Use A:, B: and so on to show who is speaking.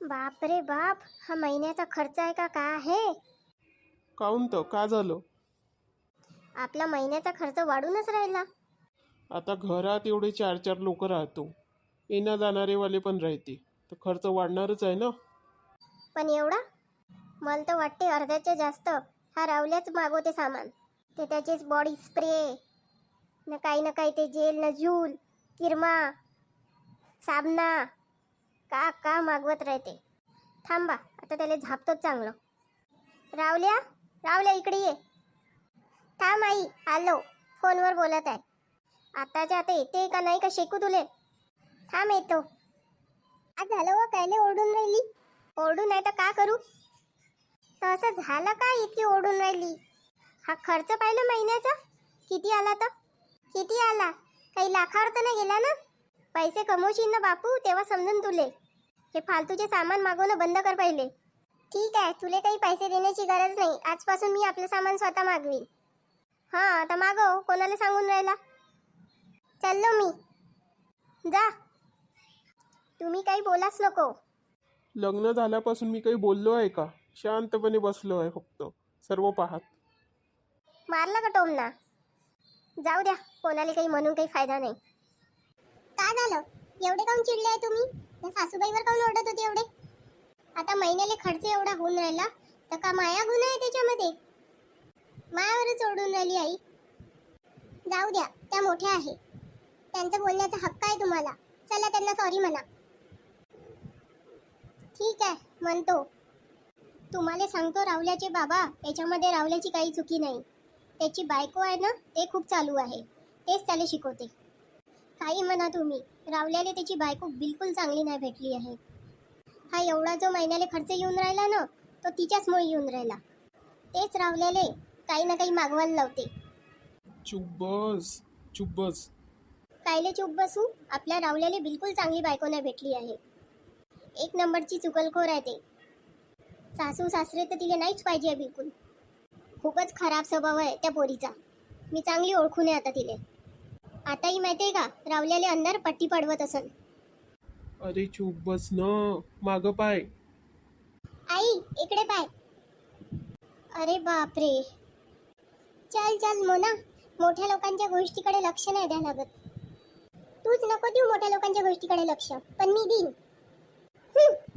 A: बाप रे बाप, हा महिन्याचा खर्च आहे का काय आहे?
B: काऊन तर का झालं?
A: आपला महिन्याचा खर्च वाढूनच राहिला.
B: आता घरात एवढे 4-4 लोक राहतो, येणं जाणारे वाले पण राहते, तर खर्च वाढणारच आहे ना.
A: पण एवढा? मला तर वाटते अर्ध्याच्या जास्त हा रावल्याच मागवते सामान. ते त्याचेच बॉडी स्प्रे न काही ते जेल न झूल किरमा साबणा का का मागवत राहते. थांबा, आता त्याला झापतोच चांगलं. रावल्या, रावल्या इकडे ये. थांब आई, आलो. फोनवर बोलत आहे. आताच्या आता येते का नाही का शेकू तुले? थांब येतो. आज झालं व कायले ओरडून राहिली? ओरडू नाही तर का करू? तर असं झालं का इतकी ओरडून राहिली? हा खर्च पाहिलं महिन्याचा किती आला? तर किती आला? काही लाखावर तर नाही गेला ना? पैसे कमवशील ना बापू, तेव्हा समजून तुले. हे फालतूचे सामान मागवणं बंद कर पहिले. ठीक आहे, तुले काही पैसे देण्याची गरज नाही. आजपासून मी आपलं सामान स्वतः मागवीन. हां, आता मागव. कोणाला सांगून राहिला? चाललो मी. जा, तुम्ही काही बोलाच नको.
B: लग्न झाल्यापासून मी काही बोललो आहे का? शांतपणे बसलो आहे फक्त, सर्व पाहत.
A: मारला का टोमना? जाऊ द्या, कोणाला काही म्हणून काही फायदा नाही. काय झालं? एवढे काऊन चिडले आहे तुम्ही? त्या सासूबाईवर काऊन ओरडत होते एवढे? आता महिन्याला खर्च एवढा होऊन राहिला तर का माया गुन्हा आहे त्याच्यामध्ये? मायावरच ओरडून राहिली आई. जाऊ द्या, त्या मोठ्या आहे, त्यांचा बोलण्याचा हक्क आहे तुम्हाला. चला त्यांना सॉरी म्हणा. ठीक आहे, म्हणतो. तुम्हाला सांगतो रावल्याचे बाबा, याच्यामध्ये रावल्याची काही चुकी नाही. त्याची बायको आहे ना, ते खूप चालू आहे, तेच त्याला शिकवते. काही म्हणा तुम्ही, रावल्याला त्याची बायको बिलकुल चांगली नाही भेटली आहे. हा एवढा जो महिन्याला खर्च येऊन राहिला ना, तो तिच्याचमुळे येऊन राहिला. तेच रावल्याले काही ना काही मागवायला लावते.
B: चुप बस.
A: कायले चूप बसू? आपल्या रावल्याला बिलकुल चांगली बायको नाही भेटली आहे. एक नंबरची चुकलखोर आहे ते. सासू सासरे तर तिला नाहीच पाहिजे बिलकुल. खूपच खराब स्वभाव आहे त्या पोरीचा. मी चांगली ओळखून आहे आता तिले. आताही माहितीये का, रावल्याले अंधार पट्टी पडवत असन.
B: अरे चुप बस न, मागं पाय.
A: आई, इकडे पाय. अरे बापरे. चल मोना, मोठ्या लोकांच्या गोष्टीकडे लक्ष नाही द्या लागत. तूच नको देऊ मोठ्या लोकांच्या गोष्टीकडे लक्ष, पण मी देईन.